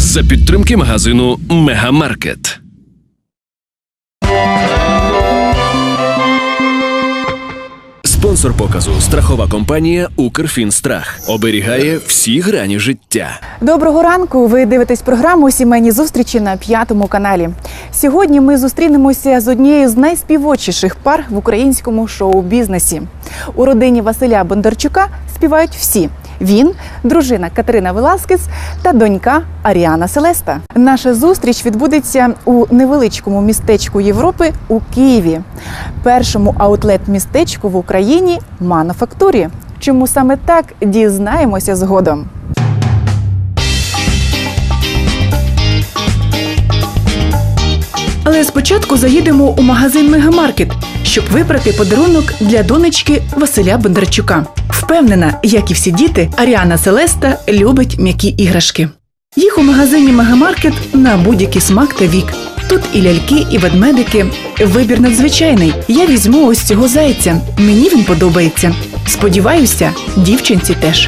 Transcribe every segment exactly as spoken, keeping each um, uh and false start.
За підтримки магазину Мегамаркет. Спонсор показу – страхова компанія «Укрфінстрах». Оберігає всі грані життя. Доброго ранку! Ви дивитесь програму «Сімейні зустрічі» на п'ятому каналі. Сьогодні ми зустрінемося з однією з найспівочіших пар в українському шоу-бізнесі. У родині Василя Бондарчука співають всі. Він, дружина Катерина Веласкес та донька Аріана Селеста. Наша зустріч відбудеться у невеличкому містечку Європи у Києві. Першому аутлет-містечку в Україні – Мануфактурі. Чому саме так, дізнаємося згодом. Але спочатку заїдемо у магазин Мегамаркет, щоб вибрати подарунок для донечки Василя Бондарчука. Впевнена, як і всі діти, Аріана Селеста любить м'які іграшки. Їх у магазині Мегамаркет на будь-який смак та вік. Тут і ляльки, і ведмедики. Вибір надзвичайний. Я візьму ось цього зайця. Мені він подобається. Сподіваюся, дівчинці теж.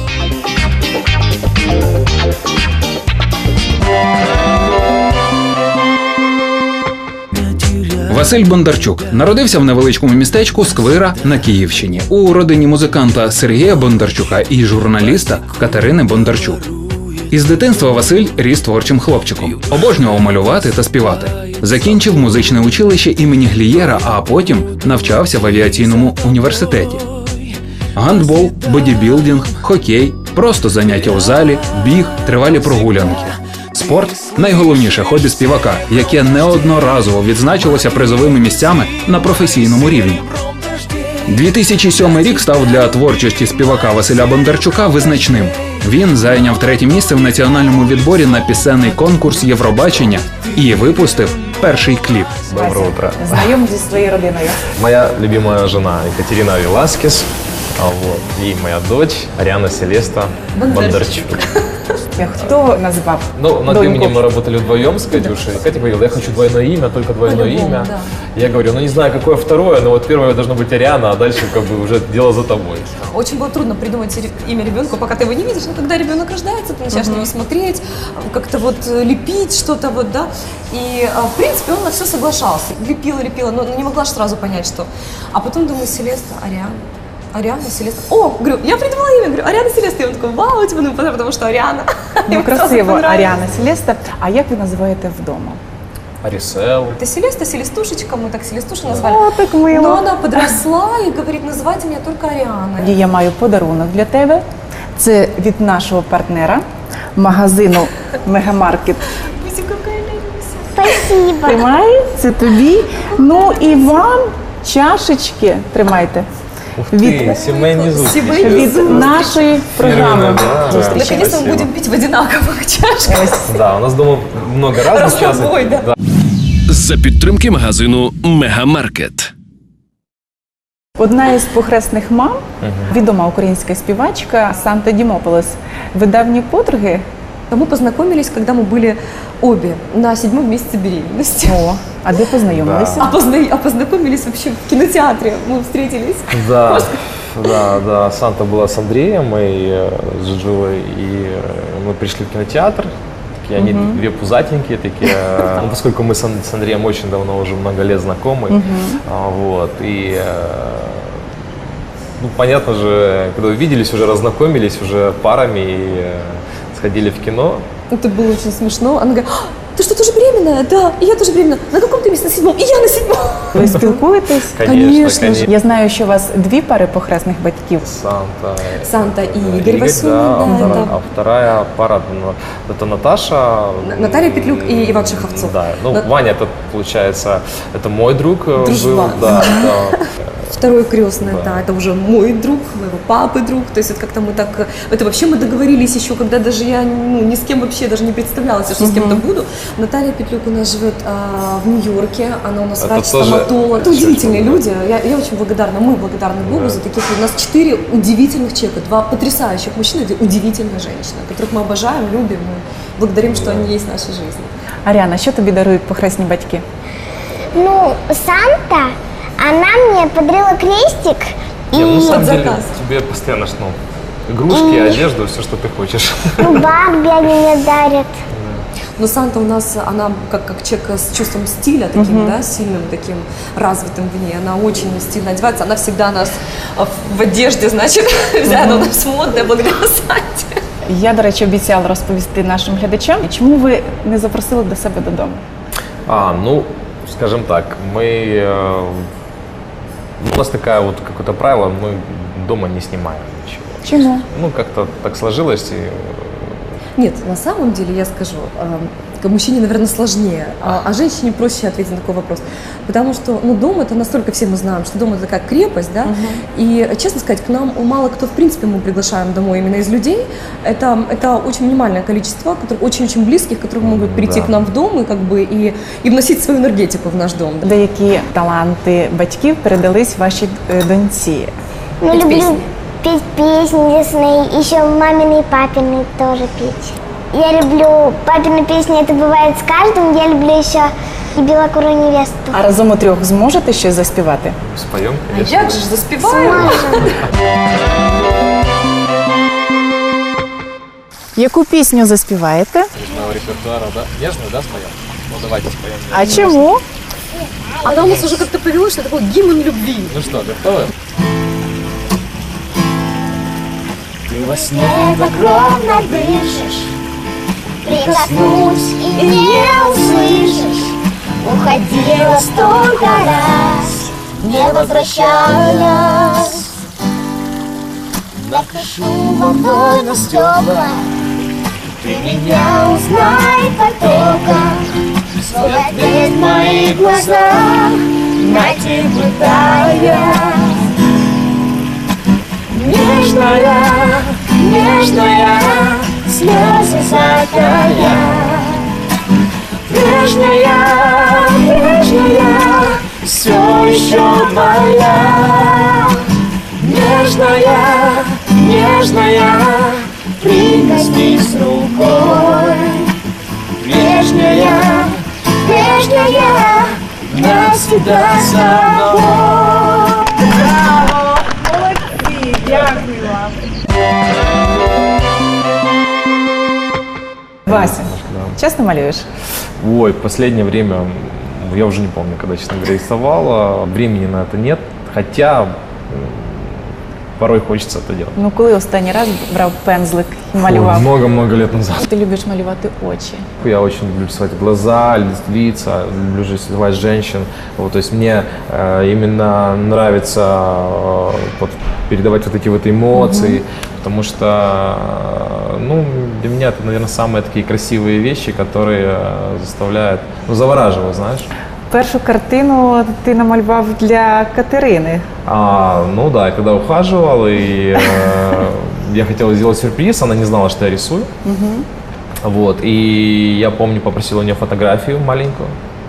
Василь Бондарчук народився в невеличкому містечку Сквира на Київщині у родині музиканта Сергія Бондарчука і журналіста Катерини Бондарчук. Із дитинства Василь ріс творчим хлопчиком, обожнював малювати та співати. Закінчив музичне училище імені Глієра, а потім навчався в авіаційному університеті. Гандбол, бодібілдинг, хокей, просто заняття у залі, біг, тривалі прогулянки. Спорт – найголовніше хобі співака, яке неодноразово відзначилося призовими місцями на професійному рівні. дві тисячі сьомий рік став для творчості співака Василя Бондарчука визначним. Він зайняв третє місце в національному відборі на пісенний конкурс Євробачення і випустив перший кліп. Доброе утро. Знайомі зі своєю родиною. Моя любимая жена Екатерина Веласкес, а вот, и моя дочь Ариана Селеста Бондарчук. Хто назвав Ну, над доньку? именем мы работали вдвоем с Катюшей. Катя говорила, я хочу двойное имя, только двойное имя. Да. Я говорю, ну не знаю, какое второе, но вот первое должно быть Ариана, а дальше как бы уже дело за тобой. Очень было трудно придумать имя ребенку, пока ты его не видишь, но когда ребенок рождается, ты начинаешь на него смотреть, как-то вот лепить что-то вот, да, и в принципе он на все соглашался, лепила, лепила, но не могла же сразу понять, что. А потом думаю, Селеста, Ариана. Ариана, Селеста. О, говорю, я придумала имя, говорю, Ариана Селеста. И он такой, вау, типа, ну, потому что Ариана. Ну, красиво, Аріана Селеста. А як ви називаєте вдома? Арисел. Это Селеста, Селестушечка, мы так Селестушу назвали. О, так мило. Но она подросла и говорит, называйте меня только Ариана. Тоді я маю подарунок для тебе. Це від нашого партнера, магазину Мегамаркет. Видите, какая Люся. Спасибо. Тримай, це тобі. Ну і вам чашечки тримайте. Ух ты, семейный звук. Від нашої програми. Да. Зустрічі. Наконец-то мы Спасибо. будем пить в одинаковых чашках. Да, у нас дома много разных часов. Разнобой, да. Да. За підтримки магазину Мегамаркет. Одна із похресних мам, відома українська співачка Санта Дімополос. Ви давні подруги? Мы познакомились, когда мы были обе на седьмом месяце беременности. О, а де познайомилися? А, позна... а познакомились вообще в кинотеатре. Мы встретились. Да, да, да. Санта была с Андреем и э, с Джуджулой, и э, мы пришли в кинотеатр. Такие они две пузатенькие такие. э, ну, поскольку мы с, Ан- с Андреем очень давно, уже много лет знакомы, а, вот, и э, ну, понятно же, когда увиделись, уже разнакомились, уже парами и э, сходили в кино. Это было очень смешно. Она говорит, «А, ты что, тоже беременная? Да, и я тоже беременна. На каком ты месяце? На седьмом. И я на седьмом. Ви спілкуєтесь? Конечно, конечно. Я знаю, що у вас дві пари похресних батьків. Санта, Санта и э, Игорь Васюнин, да, а, да, вторая, да. а вторая пара, ну, это Наташа. Наталья Петлюк и Иван Шаховцов. Да, ну На- Ваня, это получается, это мой друг э, Дружбан. был, да, да. Второй крестный, Да. да, это уже мой друг, моего папы друг. То есть это как-то мы так, это вообще мы договорились еще, когда даже я ну, ни с кем вообще даже не представляла, что с кем-то буду. Наталья Петлюк у нас живет а, в Нью-Йорке, она у нас Это врач-стоматолог. Это тоже удивительные люди. Я, я очень благодарна, мы благодарны Богу Да. за таких. У нас четыре удивительных человека, два потрясающих мужчины, две удивительные женщины, которых мы обожаем, любим, мы благодарим, что они есть в нашей жизни. Аріана, що тобі дарують похресні батьки? Ну, Санта, она мне подарила крестик. Не, ну, на И самом деле, заказ. тебе постоянно, ну, игрушки, одежду, все, что ты хочешь. ну, Барби они мне дарят. Но Санта у нас, она как, как человек с чувством стиля, таким, Мгм. да, сильным, таким развитым в ней. Она очень стильно одевается, она всегда нас а, в одежде, значит, вся она у нас модная благодаря Санте. Я, до речі, обіцяла розповісти нашим глядачам, чому ви не запросили до себе додому? А, ну, скажем так, мы... э, у нас такая вот какое-то правило, мы дома не снимаем ничего. Чому? Ну, как-то так сложилось, и Нет, на самом деле, я скажу, э, к мужчине, наверное, сложнее, а, а женщине проще ответить на такой вопрос. Потому что, ну, дом это настолько, все мы знаем, что дом это такая крепость, да, и, честно сказать, к нам мало кто, в принципе, мы приглашаем домой именно из людей. Это, это очень минимальное количество, которые очень-очень близких, которые могут прийти Да. к нам в дом и, как бы, и, и вносить свою энергетику в наш дом. Деякі таланти батьків передались вашій е, доньці. Ну, Петь люблю песни. петь песни лесные, еще мамины и папины тоже петь. Я люблю папины песни, это бывает с каждым. Я люблю еще и белокурую невесту. А разом у трьох зможете щось заспівати? споем, А конечно. як же ж заспіваємо? Яку пісню заспіваєте? Из репертуара, да? Нежную, да, споем? Ну, давайте споем. А чому? Она у нас уже как-то повелось, что такой гимн любви. Ну что, готовы? Ты во сне так ровно дышишь, прикоснусь и не услышишь. Уходила столько раз, не возвращаясь. Напишу вновь на стекла, ты меня узнай потока. Свой ответ в моих глазах найти пытаясь. Нежная, нежная, слезы закая. Прежняя, прежняя, все еще моя. Нежная, нежная, прикоснись рукой. Прежняя, прежняя, навсегда с тобой. Браво! Молодці! Дякую вам! Вася, часто малюєш? Ой, в последнее время, я уже не помню, когда, честно говоря, рисовал, а времени на это нет, хотя м, порой хочется это делать. Ну, коли останній раз брав пензлик і Ой, малював? много-много лет назад. Ти любиш малювати очі. Я очень люблю рисовать глаза, ли- лица, люблю рисовать женщин. Вот, то есть мне э, именно нравится э, вот, передавать вот эти вот эмоции, потому что э, ну, для меня это, наверное, самые такие красивые вещи, которые э, заставляют, ну, завораживают, знаешь. Першу картину ти намалював для Катерини. А, ну да, я когда ухаживал, и э, я хотел сделать сюрприз, она не знала, что я рисую. Вот, и я помню, попросил у нее фотографию маленькую.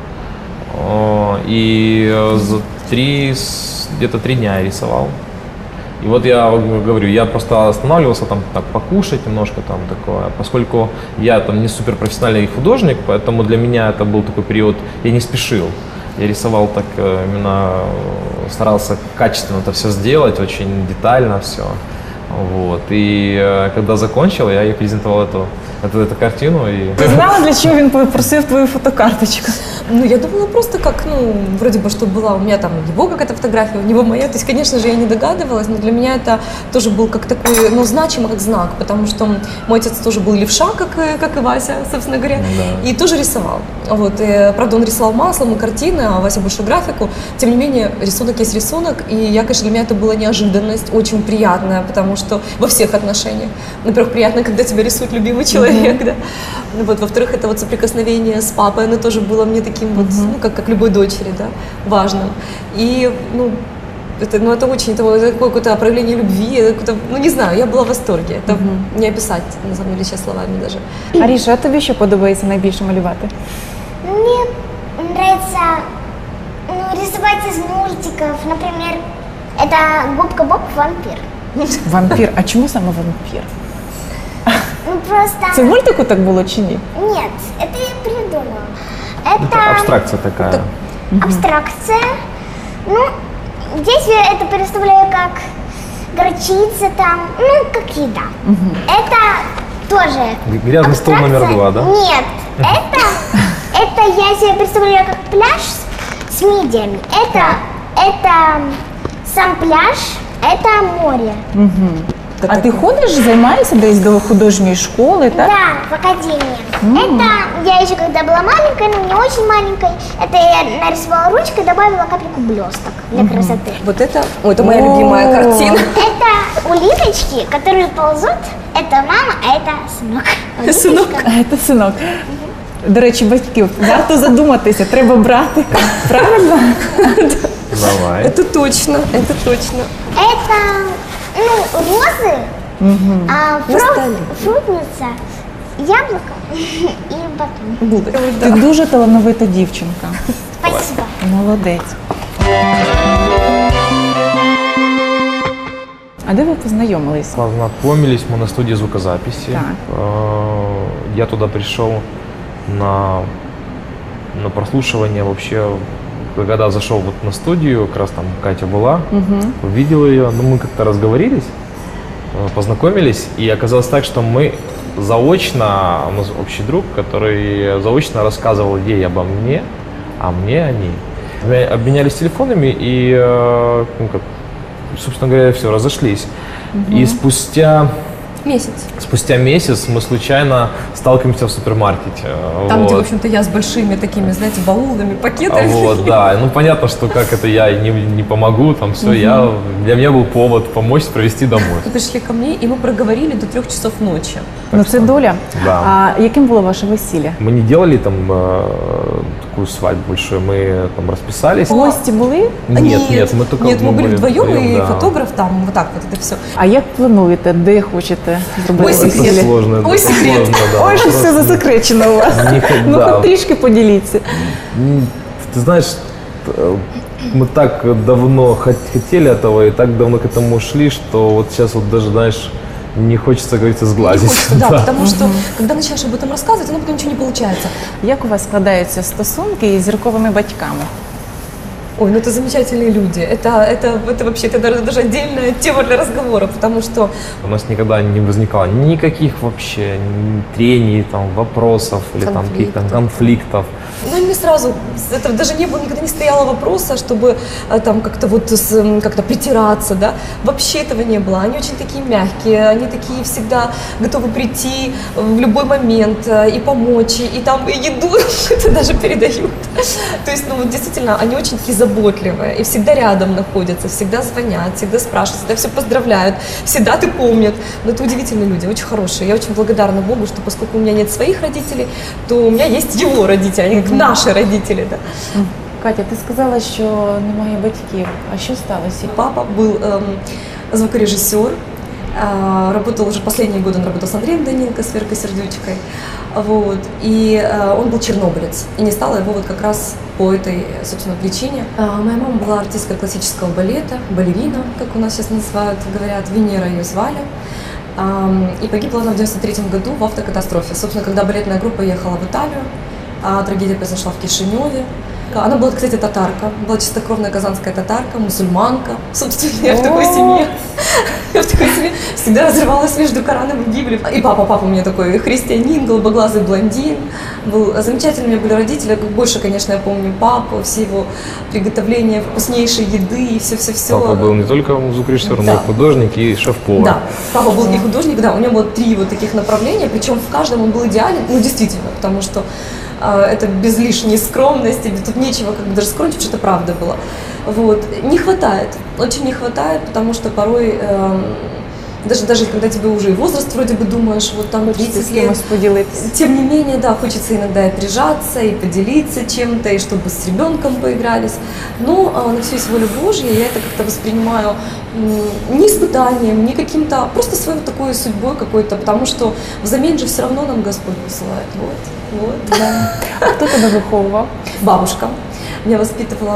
О, И э, за три, с- где-то три дня я рисовал. И вот я говорю, я просто останавливался там так покушать немножко там такое, поскольку я там не суперпрофессиональный художник, поэтому для меня это был такой период, я не спешил. Я рисовал так э, именно, э, старался качественно это все сделать, очень детально все. Вот. И э, когда закончил, я ей презентовал эту, эту, эту картину. И... Ти знала, для чого він попросив твою фотокарточку? Ну, я думала просто как, ну, вроде бы, что была у меня там его какая-то фотография, у него моя. То есть, конечно же, я не догадывалась, но для меня это тоже был как такой, ну, значимый как знак, потому что мой отец тоже был левша, как, и- как и Вася, собственно говоря, Да. и тоже рисовал. Вот, и, правда, он рисовал маслом и картины, а Вася больше графику. Тем не менее, рисунок есть рисунок, и я, конечно, для меня это была неожиданность, очень приятная, потому что во всех отношениях. Во-первых, приятно, когда тебя рисует любимый человек, да. Вот, во-вторых, это вот соприкосновение с папой, оно тоже было мне таким вот, ну, как, как любой дочери, да, важным. И, ну, это, ну, это очень, это, это какое-то проявление любви, это какое-то, ну, не знаю, я была в восторге. Это не описать, на самом деле, сейчас словами даже. Аріша, а тобі що подобається найбільше малювати? Мне нравится ну, рисовать из мультиков. Например, это Губка Боб вампир. Вампір. А чому саме вампір? Ну просто... Це в мультику так було чи ні? Нет, это я придумала. Это Это абстракция такая. абстракция. Ну, здесь я это представляю как горчица там, ну, как еда. Это тоже Грязный стол номер абстракция. два, да? Нет, это это я себе представляю как пляж с мидиями. Это, это сам пляж, это море. А ти ходиш, займаєшся десь до художньої школи, так? Да, в академии. Это я еще когда была маленькой, ну не очень маленькой, это я нарисовала ручкой, добавила капельку блесток для красоты. Вот это, о, это моя любимая О. картина. Это улиточки, которые ползут. Это мама, а это сынок. Улиточка. Це синок. До речі, батьків, варто задуматися, треба брати. Правильно? Давай. Это точно, это точно. Это, ну, розы, а На фрукт, столе. фрукница, яблоко и батон. Булочка. Ти дуже талановита дівчинка. Спасибо. Молодець. А де ви познайомились? Познакомились мы на студии звукозаписи. Так. Э, Я туда пришел на, на прослушивание вообще, когда зашел вот на студию, как раз там Катя была, увидел ее, ну мы как-то разговорились, э, познакомились, и оказалось так, что мы заочно, у нас общий друг, который заочно рассказывал ей обо мне, а мне о ней. Мы обменялись телефонами и, э, ну, как, собственно говоря, все, разошлись. И спустя, Месяц. спустя месяц мы случайно сталкиваемся в супермаркете. Там, Вот. где, в общем-то, я с большими такими, знаете, баулами, А пакетами. Вот, да, ну понятно, что как это я не, не помогу, там все, я, для меня был повод помочь провести домой. Вы пришли ко мне, и мы проговорили до трех часов ночи. Ну це доля. Да. А яким було ваше весілля? Мы не делали там э, такую свадьбу большую, мы там расписались. Гості були? Нет, нет, мы только Нет, мы были вдвоем, и да. фотограф там, вот так вот это все. А як плануєте, де хочете зробити Ой, весілля? Это сложно, Ой, это секрет. сложно, да. Ой, що Просто все засекречено у вас. не хот- Ну, да. хоч трішки поділіться. М, Ты знаешь, э, мы так давно хот- хотели этого и так давно к этому шли, что вот сейчас вот даже, знаешь, не хочется, как говорится, Не сглазить. хочется, да, потому что, когда начинаешь об этом рассказывать, оно потом ничего не получается. Як у вас складаються стосунки із зірковими батьками? Ой, ну это замечательные люди. Это, это, это вообще, это даже, даже отдельная тема для разговора, потому что У нас никогда не возникало никаких вообще ни трений, там, вопросов или там каких-то Конфликтов. конфликтов. ну, мне сразу, это даже не было, никогда не стояло вопроса, чтобы э, там как-то вот с, м, как-то притираться, да. Вообще этого не было. Они очень такие мягкие, они такие всегда готовы прийти в любой момент э, и помочь, и, и там и еду это даже передают. То есть, ну вот действительно, они очень такие заботливые и всегда рядом находятся, всегда звонят, всегда спрашивают, всегда все поздравляют, всегда ты помнят. Но это удивительные люди, очень хорошие. Я очень благодарна Богу, что поскольку у меня нет своих родителей, то у меня есть его родители, они как наши родители, да. Катя, ти сказала, що немає батьків. А що сталося? Папа был эм, звукорежиссер, э, работал уже последние годы, он работал с Андреем Данилко, с Веркой Сердючкой, вот, и э, он был чернобылец, и не стало его вот как раз по этой, собственно, причине. А моя мама была артисткой классического балета, балерина, как у нас сейчас называют, говорят, Венера ее звали. Ам, И погибла она в девяносто третьем году в автокатастрофе. Собственно, когда балетная группа ехала в Италию, а трагедия произошла в Кишиневе. Она была, кстати, татарка, была чистокровная казанская татарка, мусульманка. Собственно, я в такой семье, я в такой семье всегда разрывалась между Кораном и Библией. И папа, папа у меня такой христианин, голубоглазый блондин. Был замечательный, у меня были родители. Больше, конечно, я помню папу, все его приготовления вкуснейшей еды и все-все-все. Папа был не только звукорежиссер, но Да. и художник и шеф-повар. Да, папа был и художник, да, у него было три вот таких направления, причем в каждом он был идеален, ну действительно, потому что э, это без лишней скромности, тут нечего как бы даже скромничать, что это правда было. Вот. Не хватает, очень не хватает, потому что порой, эм, даже, даже когда тебе уже и возраст вроде бы думаешь, вот там Хочеться тридцать з лет, кимось поділитися. тем не менее, да, хочется иногда и прижаться, и поделиться чем-то, и чтобы с ребенком поигрались. Но а, на все есть воля Божья, я это как-то воспринимаю м, не испытанием, не каким-то, просто своей вот такой судьбой какой-то, потому что взамен же все равно нам Господь посылает. Вот, вот. Да. А хто тебе виховував? Бабушка меня воспитывала,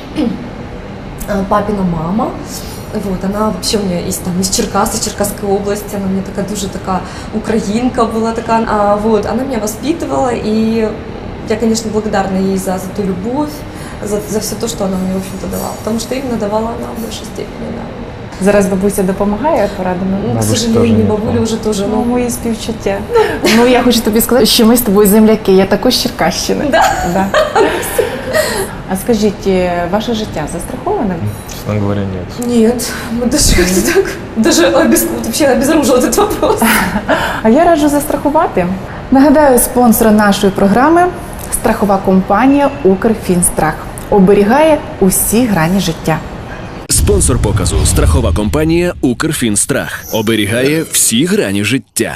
а, папина мама. Вот, она вообще у меня есть там из Черкас, из Черкасской области, она у меня такая дуже такая украинка была такая, а, вот, она меня воспитывала, и я, конечно, благодарна ей за, за ту любовь, за, за все то, что она мне, в общем-то, давала, потому что именно давала она в большей степени, да. Зараз бабуся допомагає порадами? Ну, к Бабушка тоже сожалению, нет, бабуля да. уже тоже, Ну, ну, мої співчуття. Ну, я хочу тобі сказати, що ми з тобою земляки, я також з Черкащини. Да. Да. А скажіть, е, ваше життя застраховане? Честно говоря, нет. нет, мы даже как-то так, даже обез... вообще обезоружил этот вопрос. А я раджу застрахувати. Нагадаю, спонсор нашої програми – страхова компанія «Укрфінстрах». Оберігає усі грані життя. Спонсор показу страхова компанія Укрфінстрах оберігає всі грані життя.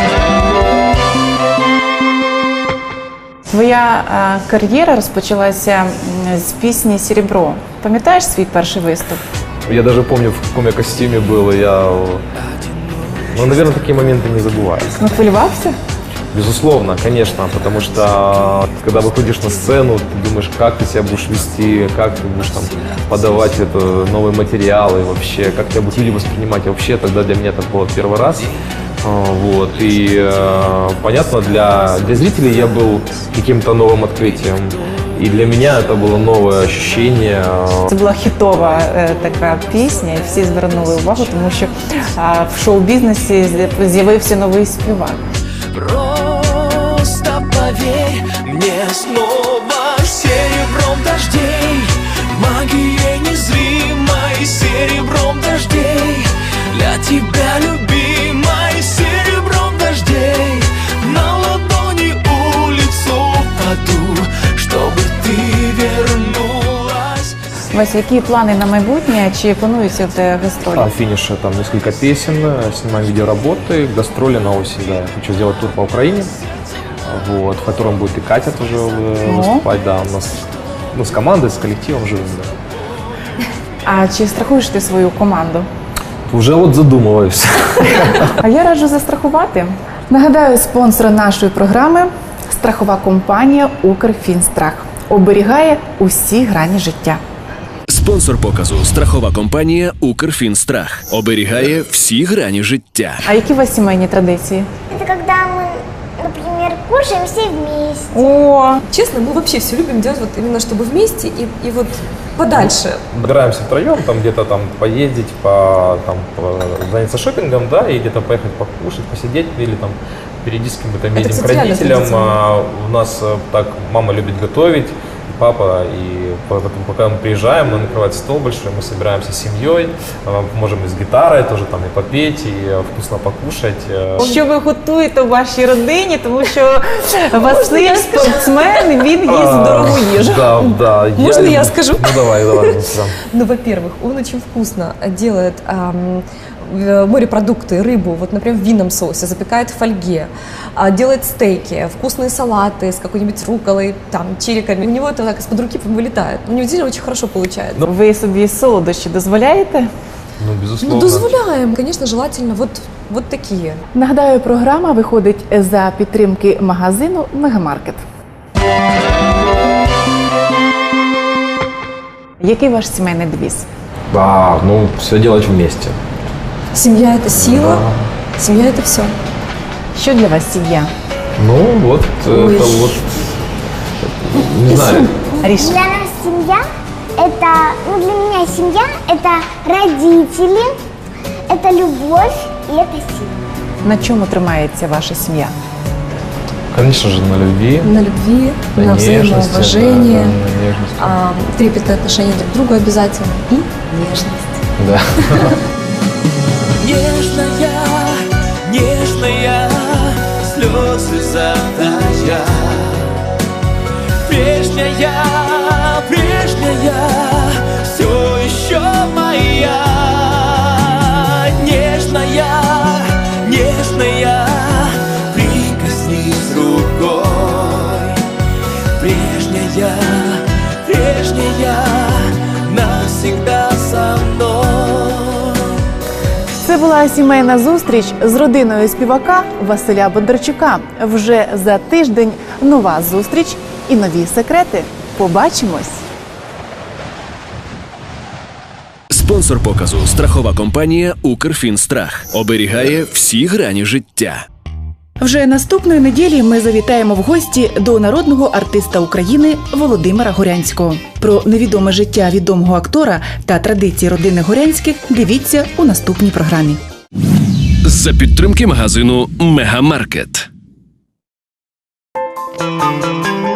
Твоя е, кар'єра розпочалася м, з пісні «Серебро». Пам'ятаєш свій перший виступ? Я даже помню, в каком я костюме был, и я... Ну, наверное, такие моменты не забываю. Ну, хвилювався? Безусловно, конечно, потому что когда выходишь на сцену, ты думаешь, как ты себя будешь вести, как ты будешь там подавать это, новые материалы вообще, как тебя будут люди воспринимать. И вообще тогда для меня это было первый раз. А, Вот. И э, понятно, для, для зрителей я был каким-то новым открытием. И для меня это было новое ощущение. Це була хітова е, така пісня, і всі звернули увагу, тому що е, в шоу-бізнесі з'я- з'явився новий співак. Просто поверь мне снова серебром дождей, магией незримой серебром дождей, для тебя, любимой, серебром дождей, на ладони улицу паду, чтобы ты вернулась. Вася, які плани на майбутнє? Чи плануються в тебе гастролі? А финише там несколько песен, э, снимаем видеоработы, гастроли на осень, да. Я хочу сделать тур по Украине, вот, в котором будет и Катя тоже э, выступать, да, у нас, ну, с командой, с коллективом живем, да. А чи страхуєш ти свою команду? Уже вот задумываюсь. А я раджу застрахувати. Нагадаю, спонсор нашої програми – страхова компанія «Укрфінстрах». Оберігає усі грані життя. Спонсор показу страхова компанія Укрфінстрах оберігає всі грані життя. А які у вас сімейні традиції? Это когда мы, например, кушаем все вместе. О, Честно, мы вообще все любим делать вот именно чтобы вместе и, и вот подальше. Собираемся втроем, там где-то там поездить, по, там, по- заняться шопингом, да, и где-то поехать покушать, посидеть, или там периодически мы там Это, едем к кстати, реально родителям. традиционно. А, у нас э, так мама любит готовить, и папа, и поэтому, пока мы приезжаем, нам накрывать стол большой, мы собираемся с семьей, а, можем и с гитарой тоже там и попеть, и э, вкусно покушать. э. що ви готуєте в вашій родині, тому що Василь спортсмен, він їсть А, дорогу їжу. Да, да. Можно я люблю- скажу? Ну давай, давай. да. Ну, во-первых, он очень вкусно делает ам, в- морепродукты, рыбу, вот, например, в винном соусе, запекает в фольге, а, делает стейки, вкусные салаты с какой-нибудь рукколой, там, чириками. У него это так из-под руки вылетает. У него действительно очень хорошо получается. Ви собі солодощі дозволяєте? Ну, безусловно. Ну, дозволяем, конечно, желательно вот, вот такие. Нагадаю, програма виходить за підтримки магазину «Мегамаркет». Який ваш сімейний девіз? А, ну, все делать вместе. Семья – это сила, семья – это все. Що для вас сім'я? Ну, вот, Ой. это вот, не знаю, Аріш, Для нас семья – это, ну для меня семья – это родители, это любовь и это сила. на чому тримається ваша сім'я? конечно же, на любви, На любви, на, на нежности, взаимоуважении, да, да, на нежности. а, трепетное отношение друг к другу обязательно и нежность. Да. Нежная, нежная, слезы затая. Прежняя, прежняя, все еще моя. Нежная, нежная, прикоснись рукой. Прежняя, прежняя, навсегда со мной. Це була сімейна зустріч з родиною співака Василя Бондарчука. Вже за тиждень нова зустріч і нові секрети. Побачимось! Спонсор показу страхова компанія Укрфінстрах оберігає всі грані життя. Вже наступної неділі ми завітаємо в гості до народного артиста України Володимира Горянського. Про невідоме життя відомого актора та традиції родини Горянських дивіться у наступній програмі. За підтримки магазину Мегамаркет. Thank you.